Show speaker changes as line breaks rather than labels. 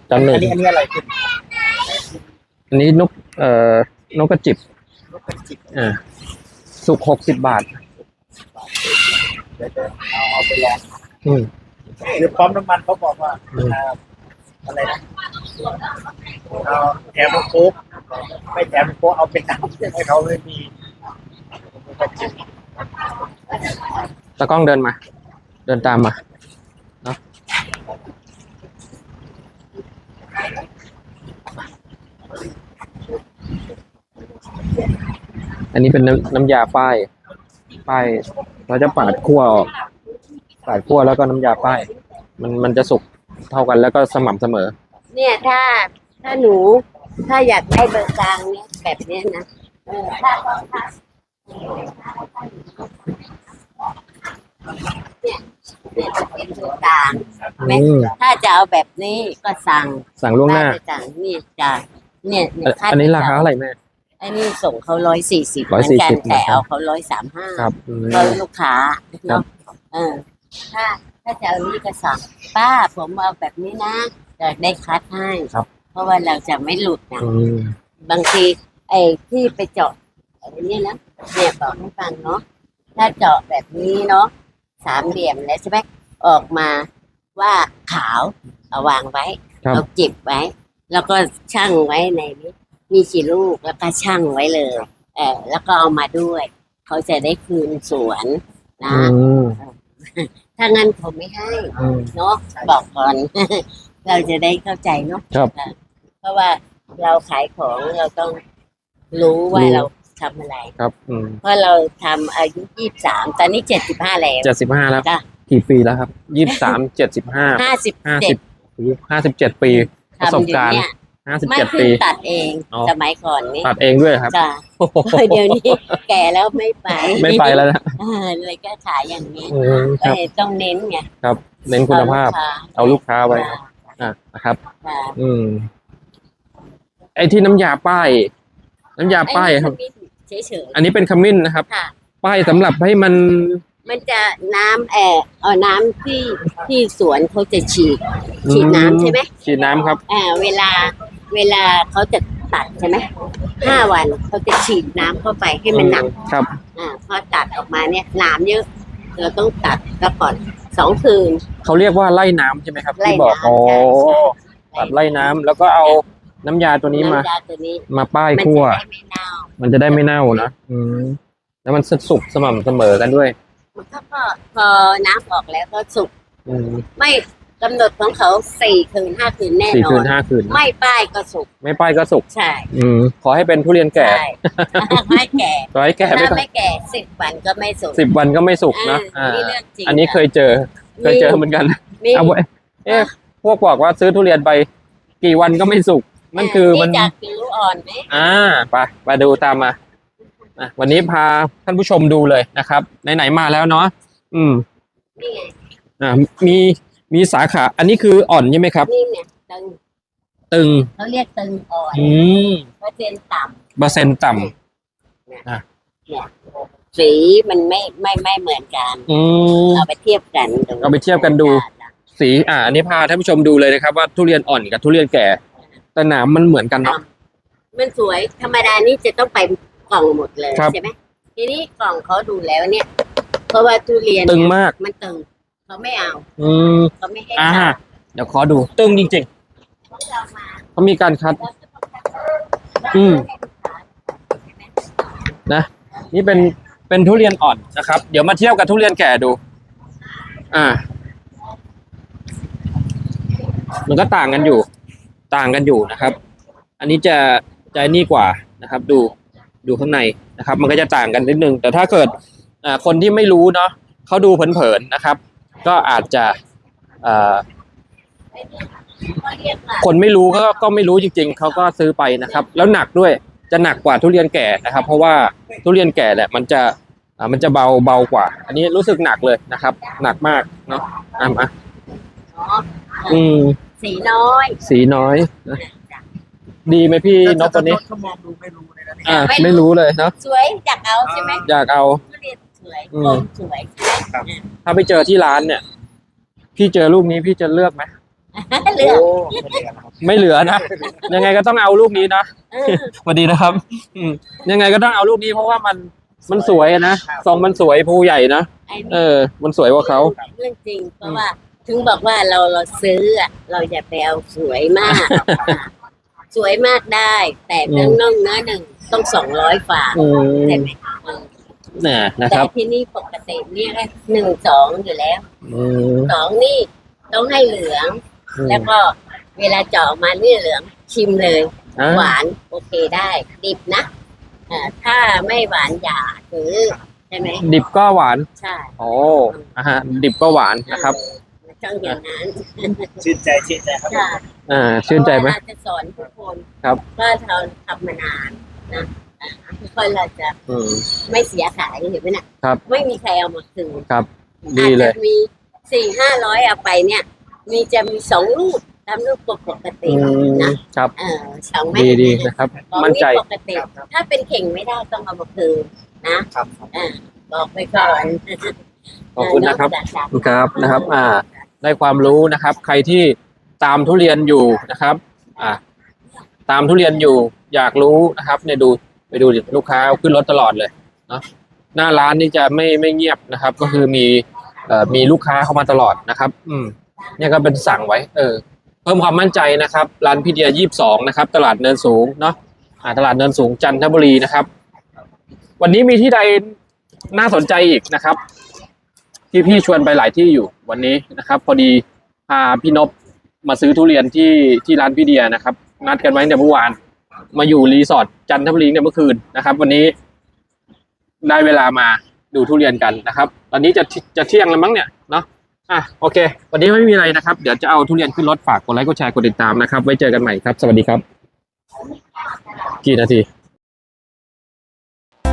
จันหนึ่ง
อันนี้อะไรขึ้น
อันนี้นกกระจิบสุก60 บาท
เดี๋ยวเอาไปลองหรือพร้อมน้ำมันเขาบอกว่าอะไรนะเอาแถมโค้กไม่แถมโค้กเอาเป็นน้ำให้เขาเลยมี
ตากล้องเดินมาเดินตามมาเนาะอันนี้เป็นน้ำยาป้ายเราจะปาดคั่วแล้วก็น้ำยาป้ายมันจะสุกเท่ากันแล้วก็สม่ำเสมอ
เนี่ยถ้าหนูถ้าอยากได้เบอร์กลางเนี่ยแบบนี้นะถ้าเนี่ยจะเป็นเบอร์กลางถ้าจะเอาแบบนี้ก็สั่ง
ล่วงหน้า
นี่จ้ะเนี่ย
อันนี้ราคาเท่าไหร่แม่
อันนี้ส่งเขา140เหมือนกันแต่เอาเขา135
ครับ
ก็ลูกค้าเนาะถ้าจะเอานี้ก็สั่งป้าผมเอาแบบนี้นะจะได้คัดให้เพราะว่าเราจะไม่หลุดนะบางทีไอ้ที่ไปเจาะอะไรนี่นะเนี่ยบอกให้ฟังเนาะถ้าเจาะแบบนี้เนาะ3 เหลี่ยมแล้วใช่ไหมออกมาว่าขาวเอาวางไว้เอาจิบไว้แล้วก็ชั่งไว้ในนี้มีกี่ลูกแล้วก็ชั่งไว้เลยแล้วก็เอามาด้วยเขาจะได้คืนสวนนะถ้างั้นผมไม่ให้เนาะบอกก่อน เราจะได้เข้าใจเนาะเพราะว่าเราขายของเราต้องรู้ว่าเราทำอะไร
ครับ
เพราะเราทำอายุ23ตอนนี้75แล้ว
75แล้วกี่ปีแล้วครับ23 57ปีประสบการณ์57 ปี
ตัดเองสมัยก่อนนี่
ตัดเองด้วยครับ
เดี๋ยวนี้แก่แล้วไม่
ไปแล้วนะ
เลยก็ขายอย่างนี้ต้องเน้นไง
ครับเน้นคุณภาพเอาลูกค้าไว้นะครับไอ้ที่น้ำยาป้ายครับอันนี้เป็นขมิ้นนะครับป้ายสำหรับให้มัน
จะน้ำน้ำที่สวนเขาจะฉีดน้ำใช่ไหม
ฉีดน้ำครับ
เวลาเขาจะตัดใช่ไหม5 วันเขาจะฉีดน้ำเข้าไปให้มันหนัก
ครับ
พอตัดออกมาเนี่ยน้ำเยอะเราต้องตัดแล้วก่อน2 คืน
เขาเรียกว่าไล่น้ำใช่ไหมครับที่บอกตัดไล่น้ำแล้วก็เอาน้ำยาตัวนี้มาป้ายคั่วมันจะได้ไม่เน่านะแล้วมันสุกสม่ำเสมอกันด้วย
มันก็พอน้ำออกแล้วก็สุกไม่กำหนดของเขา4 คืน 5 คืนแน่นอน
4 คืน 5 คืน
ไม่ป้ายก็สุก
ใช่ขอให้เป็นทุเรียนแก่
ไม่แก่
ขอให้แก่
ไม่แก่10 วันก็ไม่สุก
10 วันก็ไม่สุกนะอันนี้เคยเจอเหมือนกันเอาไว้พวกบอกว่าซื้อทุเรียนไปกี่วันก็ไม่สุกนั่นคือมัน
จากผิวอ่อนไหม
ไปดูตามมาวันนี้พาท่านผู้ชมดูเลยนะครับไหนๆมาแล้วเนาะ
นี่ไง
มีสาขาอันนี้คืออ่อนใช่ไหมครับ
นี่ไงตึงเขาเรียกตึงอ่อนเปอร์เซ็นต์ต่ำเนี่ยสีมันไม่เหมือนกันเอาไปเทียบกัน
ดูสีอันนี้พาท่านผู้ชมดูเลยนะครับว่าทุเรียนอ่อนกับทุเรียนแก่แต่หนามมันเหมือนกันเนาะ
มันสวยธรรมดานี่จะต้องไปกล่องหมดเลยใช่ไหมทีนี้กล่องเขาดูแล้วเนี่ยเพราะว่าทุเรียน
ตึงมาก
มันตึงเขาไม่เอาเขาไม่ให้
เดี๋ยวขอดูตึงจริงๆเขามีการคัดนะนี่เป็นทุเรียนอ่อนนะครับเดี๋ยวมาเทียบกับทุเรียนแก่ดูมันก็ต่างกันอยู่นะครับอันนี้จะนี่กว่านะครับดูข้างในนะครับมันก็จะต่างกันนิดนึงแต่ถ้าเกิดคนที่ไม่รู้เนาะเขาดูเผินๆนะครับก็อาจจะคนไม่รู้ก็ไม่รู้จริงๆเขาก็ซื้อไปนะครับแล้วหนักด้วยจะหนักกว่าทุเรียนแก่นะครับเพราะว่าทุเรียนแก่แหละมันจะเบากว่าอันนี้รู้สึกหนักเลยนะครับหนักมากเนาะ
สีน้อย
ดีไหมพี่นกตัวนี้
เขามองดูไม่รู้เลยนะ
ไม่รู้เลยเนาะ
สวยอยากเอาใช่ไหม
อยากเอา
สวยใช่ไหม
ถ้าไปเจอที่ร้านเนี่ยพี่เจอลูกนี้พี่จะเลือกไหม
เลือก
ไม่เหลือนะยังไงก็ต้องเอาลูกนี้นะ
เออ
สวัสดีนะครับ ยังไงก็ต้องเอาลูกนี้เพราะว่ามันสวยนะทรงมันสวยภูใหญ่นะ
ไอ้นี่
มันสวยกว่าเขา
เรื่องจริง เพราะว่าถึงบอกว่าเราซื้ออะเราอย่าไปเอาสวยมาก สวยมากได้ แต่เรื่องน่องเนื้อหนึ่งต้อง200 ฝา
อืม
ใช่ไหม
น่ะนะ
แต่
ครับ
ที่นี่ปกติเนี่ยก็1-2อยู่แล้ว
อืม
2นี่ต้องให้เหลือง แล้วก็เวลาเจาะมานี่เหลืองชิมเลย
อ่ะ
หวานโอเคได้ดิบนะถ้าไม่หวานอย่าซื้อใช่ไหม
ดิบก็หวาน
ใช่
โอ้ดิบก็หวานนะครับ
ต้องอย่างนั้น
ชื่นใจครับ
ค่ะ
ชื่นใจไหม
เพราะว่าเราจะสอนทุกคน
ครับ
ว่าเราทำมานานนะค่อยๆเราจะ
อืม
ไม่เสียขายเห็นไหมน่ะ
ครับ
ไม่มีใครเอามาคืน
ครับ ดีเลย
อาจจะมี400-500เอาไปเนี่ย จะมี2 ลูกตามลูกปกติ
อืม
นะครับ สอง
ดีนะครับ
ของ
มั่นใจ
ปกติถ้าเป็นเข่งไม่ได้ต้องเอามาคืนนะครับ บอกไปก่อน
ขอบคุณนะครับ
นอกจาก
ครับนะครับ ได้ความรู้นะครับ ใครที่ตามทุเรียนอยู่นะครับ ตามทุเรียนอยู่อยากรู้นะครับเนี่ยดูไปดูดิลูกค้าเอาขึ้นรถตลอดเลยเนาะหน้าร้านนี่จะไม่เงียบนะครับ ก็คือมีลูกค้าเข้ามาตลอดนะครับ เนี่ยก็เป็นสั่งไว้ เพิ่มความมั่นใจนะครับ ร้านพี่เดีย22นะครับ ตลาดเนินสูงเนาะตลาดเนินสูงจันทบุรีนะครับ วันนี้มีที่ใดน่าสนใจอีกนะครับ พี่ชวนไปหลายที่อยู่วันนี้นะครับ พอดีพาพี่นพมาซื้อทุเรียนที่ร้านพี่เดียนะครับ นัดกันไว้แต่เมื่อวาน มาอยู่รีสอร์ทจันทบุรีเนี่ยเมื่อคืนนะครับ วันนี้ได้เวลามาดูทุเรียนกันนะครับ ตอนนี้จะเที่ยงแล้วมั้งเนี่ยเนาะโอเค วันนี้ไม่มีอะไรนะครับ เดี๋ยวจะเอาทุเรียนขึ้นรถฝากกดไลค์กดแชร์กดติดตามนะครับ ไว้เจอกันใหม่ครับ สวัสดีครับ กี่นาที